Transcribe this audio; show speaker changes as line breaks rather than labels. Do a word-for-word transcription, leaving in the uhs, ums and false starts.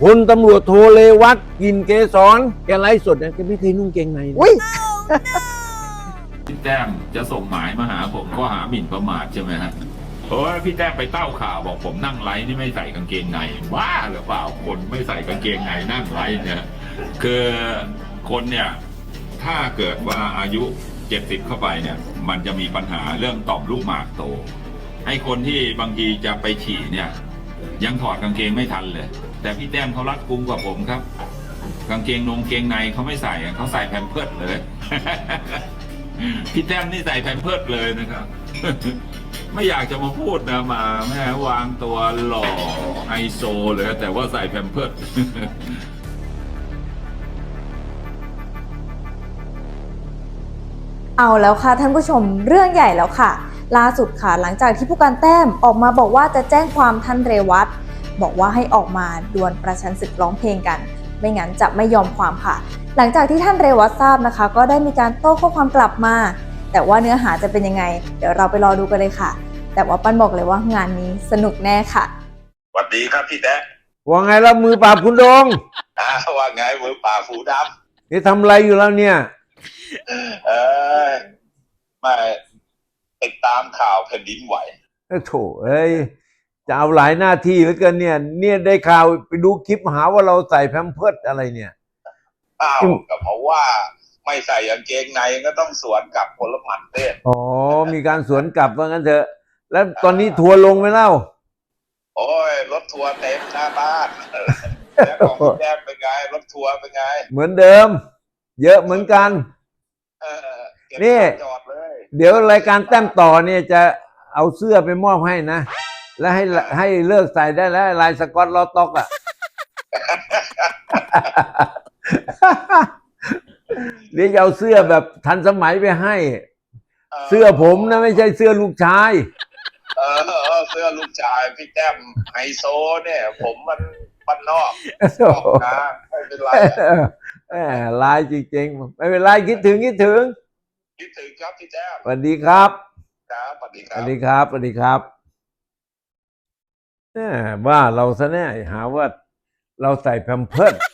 พลตำรวจโทเรวัตกลิ่นเกษรแกไลฟ์สดเนี่ยแกไม่เคยนุ่งเกงในนะ
อุ้ย
พี่แต้มจะส่งหมายมาหาผมข้อหาหมิ่นประมาทใช่ไหมฮะเพราะว่าพี่แต้มไปเต้าข่าวบอกผมนั่งไลฟ์นี่ไม่ใส่กางเกงในบ้าหรือเปล่าคนไม่ใส่กางเกงในนั่งไลฟ์เนี่ยคือคนเนี่ยถ้าเกิดว่าอายุเจ็ดสิบเข้าไปเนี่ยมันจะมีปัญหาเรื่องต่อมลูกหมากโตให้คนที่บางทีจะไปฉี่เนี่ยยังถอดกางเกงไม่ทันเลยแต่พี่แต้มเขารัดกุมกว่าผมครับกางเกงนงเกงในเขาไม่ใส่เขาใส่แพมเพิร์สเลย พี่แต้มนี่ใส่แพมเพิร์สเลยนะครับ ไม่อยากจะมาพูดนะมาแม่วางตัวหล่อไฮโซเลยแต่ว่าใส่แพมเพิร์ส
เอาแล้วค่ะท่านผู้ชมเรื่องใหญ่แล้วค่ะล่าสุดค่ะหลังจากที่ผู้การแต้มออกมาบอกว่าจะแจ้งความท่านเรวัตบอกว่าให้ออกมาดวลประชันศึกร้องเพลงกันไม่งั้นจะไม่ยอมความค่ะหลังจากที่ท่านเรวัตทราบนะคะก็ได้มีการโต้ข้อความกลับมาแต่ว่าเนื้อหาจะเป็นยังไงเดี๋ยวเราไปรอดูกันเลยค่ะแต่ว่าปั้นบอกเลยว่างานนี้สนุกแน่ค่ะ
สวัสดีครับพี่แต๊ะ
ว่าไงแล้วมือปราบคุณดง
อ่าว่าไงมือป่าบหูด
นี่ทำอะไรอยู่แล้วเนี่ย
ำเออไม่ติดตามข่าวแผ่นดินไหว
เอ้าโถเอ้ยจะเอาหลายหน้าที่เหลือเกินเนี่ย เนี่ยได้ข่าวไปดูคลิปหาว่าเราใส่แพมเพิร์สอะไรเนี่ย
อ้าวก็เพราะว่าไม่ใส่กางเกงในก็ต้องสวนกลับคนละหมันเต้น
อ๋อมีการสวนกลับว่างั้นเถอะ แล้วตอนนี้ทัวร์ลงไหมเล่า
โอ้ยรถทัวร์เต็มหน้าบ้านแล้วของพี่แจ๊คเป็นไงรถทัวร์เป็นไง
เหมือนเดิม เยอะเหมือนกัน
เออเก็บ
นี่
จอดเลย
เดี๋ยวรายการแต้มต่อเนี่ยจะเอาเสื้อไปมอบให้นะ แล้วให้ให้เลิกใส่ได้แล้วลายสก๊อตลอต็อกอ่ะ เดี๋ยวจะเอาเสื้อแบบทันสมัยไปให้ เสื้อผมนะไม่ใช่เสื้อลูกชาย
เออเออเสื้อลูกชายพี่แต้มไฮโซเนี่ย ผมมันบ้านนอกนอกนะไม่เป็นไรอะ
แหมลายจริงๆไม่เป็นไรคิดถึงคิดถึง
คิดถึงครับพี่แจ๊ค
สวัสดีครับ
ครับสวัสดีค
ส
รับ
วัสดีครับสวัสดีครับแหมว่าเราซะแน่หาว่าเราใส่แพมเพิร์ส